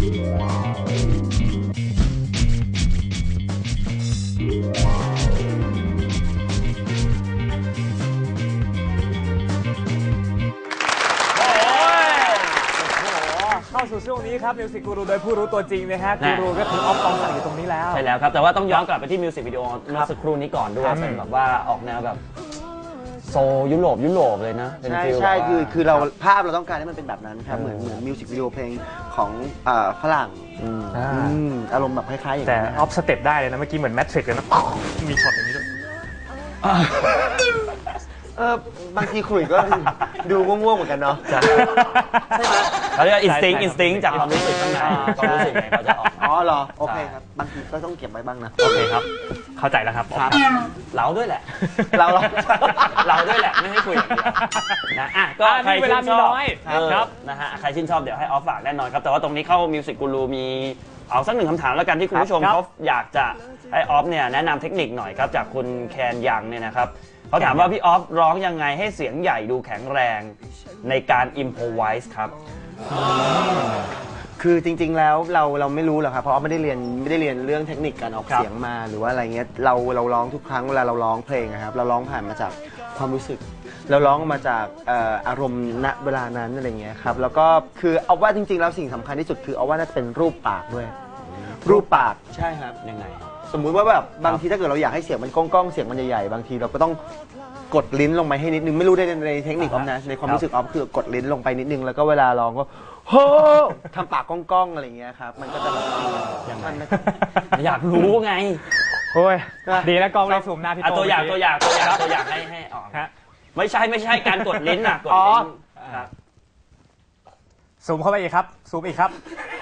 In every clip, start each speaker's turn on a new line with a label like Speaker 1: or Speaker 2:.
Speaker 1: เข้าสู่ช่วงนี้ครับมิวสิกกูรูโดยผู้รู้ตัวจริงนะฮะกูรูก็คือออฟปองศักดิ์อยู่ตรงนี้แล้ว
Speaker 2: ใช่แล้วครับแต่ว่าต้องย้อนกลับไปที่มิวสิกวิดีโอเมื่อสักครู่นี้ก่อนด้วยเป็นแบบว่าออกแนวแบบโซยุโรปเลยนะ
Speaker 3: ใช่คือเราภาพเราต้องการให้มันเป็นแบบนั้นครับเหมือนมิวสิกวิดีโอเพลงของฝรั่งอารมณ์แบบคล้ายๆอย่าง
Speaker 1: แต่
Speaker 3: นั้น
Speaker 1: ออฟสเต็ปได้เลยนะเมื่อกี้เหมือนแมทริกซ์เลยนะมีช็อตอย่างนี้ด้วย
Speaker 3: บางทีคุยก็ดูง่วงๆเหมือนกันเนาะใช่ไหม
Speaker 2: เขาเรียกอินสติ้งจากความรู้สึกข้างในความรู้สึกไงเขาจะออก
Speaker 3: เหรอโอเคครับบางทีก็ต้องเก็บไว้บ้างนะ
Speaker 1: โอเคครับเข้าใจแล้วครับ
Speaker 2: เราด้วยแหละ
Speaker 3: เรา
Speaker 2: ด้วยแหละไม่ให้คุยอย่างเดียวนะก็ใคร
Speaker 1: เวลามีน้อย
Speaker 2: ครับนะฮะใครชื่นชอบเดี๋ยวให้ออฟฝากแน่นอนครับแต่ว่าตรงนี้เข้ามิวสิกกูรูมีเอาสักหนึ่งคำถามแล้วกันที่คุณผู้ชมเขาอยากจะให้ออฟเนี่ยแนะนำเทคนิคหน่อยครับจากคุณแคนยังเนี่ยนะครับเขาถามว่าพี่ออฟร้องยังไงให้เสียงใหญ่ดูแข็งแรงในการอิมโพไวส์ครับ
Speaker 3: คือจริงๆแล้วเราไม่รู้หรอกครับเพราะไม่ได้เรียนเรื่องเทคนิคการออกเสียงมาหรือว่าอะไรเงี้ยเราร้องทุกครั้งเวลาเราร้องเพลงครับเราร้องผ่านมาจากความรู้สึกเราร้องมาจากอารมณ์ณเวลานั้นอะไรเงี้ยครับแล้วก็คือเอาว่าจริงๆแล้วสิ่งสำคัญที่สุดคือเอาว่าน่าจะเป็นรูปปากด้วยรูปปากใช่ครับ
Speaker 2: ยังไง
Speaker 3: สมมุติว่าแบบบางทีถ้าเกิดเราอยากให้เสียงมันก้องๆเสียงมันใหญ่ๆบางทีเราก็ต้องกดลิ้นลงไปให้นิดนึงไม่รู้ในเทคนิคออฟนะในความรู้สึกออฟคือกดลิ้นลงไปนิดนึงแล้วก็เวลาร้องก็โฮ่ทำปากก้องๆอะไรเงี้ยครับมันก็จะแบบ
Speaker 2: อยากรู้ไง
Speaker 1: โอ้ยดีแล้วกล้องเลยซูมหน้าพี่โต
Speaker 2: ตัวอย่างให้ออกไม่ใช่การกดลิ้นนะกดลิ้น
Speaker 1: ซูมเข้าไปอีกครับซูมอีกครับ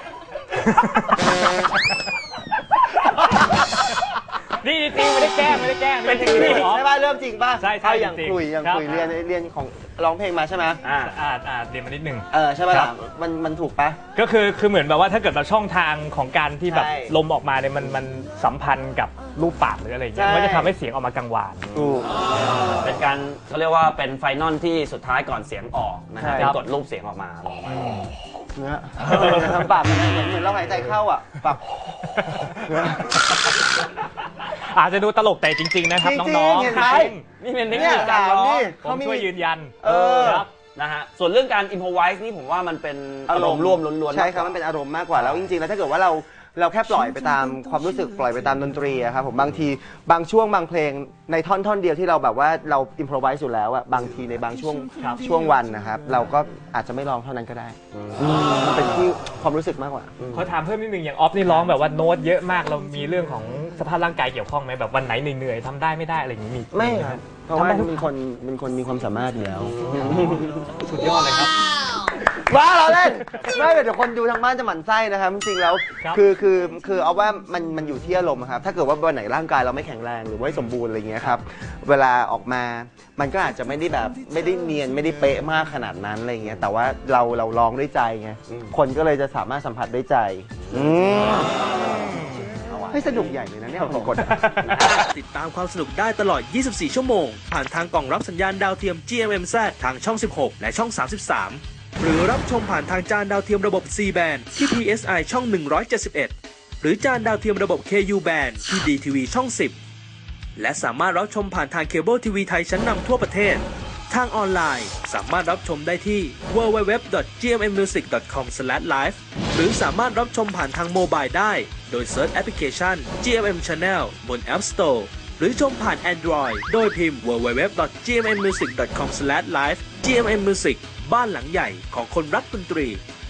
Speaker 1: นี่จริงไม่ได้แกล้ง
Speaker 3: เป็นจริงใช่ป่ะเริ่มจริงป่ะ
Speaker 1: ใช่
Speaker 3: อย่างคุยเรียนของร้องเพลงมาใช่ไหม
Speaker 1: เรียนมานิดนึง
Speaker 3: ใช่ป่ะมันถูกป่ะ
Speaker 1: ก็คือเหมือนแบบว่าถ้าเกิดเราช่องทางของการที่แบบลมออกมาเนี่ยมันสัมพันธ์กับรูปปากหรืออะไรอย่างเงี้ยมันจะทำให้เสียงออกมากังวาน
Speaker 2: เป็นการเขาเรียกว่าเป็นไฟนอลที่สุดท้ายก่อนเสียงออกนะฮะเป็นกดรูปเสียงออกมา
Speaker 3: เนี่ยทำปากเหมือนเราหายใจเข้าอ่ะปาก
Speaker 1: อาจจะดูตลกแต่จริงๆนะครับน้อง
Speaker 3: ๆ
Speaker 1: นี่เป็นเทคนิคการร้องผมช่วยยืนยัน
Speaker 2: ครับนะฮะส่วนเรื่องการอิมโพไวส์นี่ผมว่ามันเป็นอารมณ์ร่วมล้วน
Speaker 3: ๆใช่ครับมันเป็นอารมณ์มากกว่าแล้วจริงๆแล้วถ้าเกิดว่าเราแค่ปล่อยไปตามความรู้สึกปล่อยไปตามดนตรีครับผมบางทีบางช่วงบางเพลงในท่อนเดียวที่เราแบบว่าเราอิมโพรไวส์อยู่แล้วอะบางทีในบางช่วงวันนะครับเราก็อาจจะไม่ร้องเท่านั้นก็ได้มันเป็นที่ความรู้สึกมากกว่า
Speaker 1: ขอถามเพิ่มนิดนึงอย่างออฟนี่ร้องแบบว่าโน้ตเยอะมากเรามีเรื่องของสภาพร่างกายเกี่ยวข้องไหมแบบวันไหนเหนื่อยๆทำได้ไม่ได้อะไรอย่างนี้มี
Speaker 3: ไม่ครับเพราะว่าเป็นคนมีความสามารถอยู่แล้ว
Speaker 1: สุดยอดเลยครับ
Speaker 3: ว้าเราเล่นไม่เดี๋ยวคนดูทางบ้านจะหมั่นไส้นะครับจริงๆแล้วคือเอาว่ามันอยู่ที่อารมณ์ครับถ้าเกิดว่าวันไหนร่างกายเราไม่แข็งแรงหรือว่าสมบูรณ์อะไรเงี้ยครับเวลาออกมามันก็อาจจะไม่ได้แบบไม่ได้เนียนไม่ได้เป๊ะมากขนาดนั้นอะไรเงี้ยแต่ว่าเราร้องด้วยใจไงคนก็เลยจะสามารถสัมผัสได้ใจให้สนุกใหญ่เลยนะเนี่ยผมกด
Speaker 4: ติดตามความสนุกได้ตลอด 24 ชั่วโมงผ่านทางกล่องรับสัญญาณดาวเทียม GMMZ ทางช่อง 16 และช่อง 33 หรือรับชมผ่านทางจานดาวเทียมระบบ C band ที่ PSI ช่อง 171 หรือจานดาวเทียมระบบ KU band ที่ DTV ช่อง 10 และสามารถรับชมผ่านทางเคเบิลทีวีไทยชั้นนำทั่วประเทศทางออนไลน์สามารถรับชมได้ที่ www.gmmusic.com/live หรือสามารถรับชมผ่านทางโมบายได้โดยเซิร์ชแอปพลิเคชัน GMM Channel บน App Store หรือชมผ่าน Android โดยพิมพ์ www.gmmusic.com/live GMM Music บ้านหลังใหญ่ของคนรักดนตรี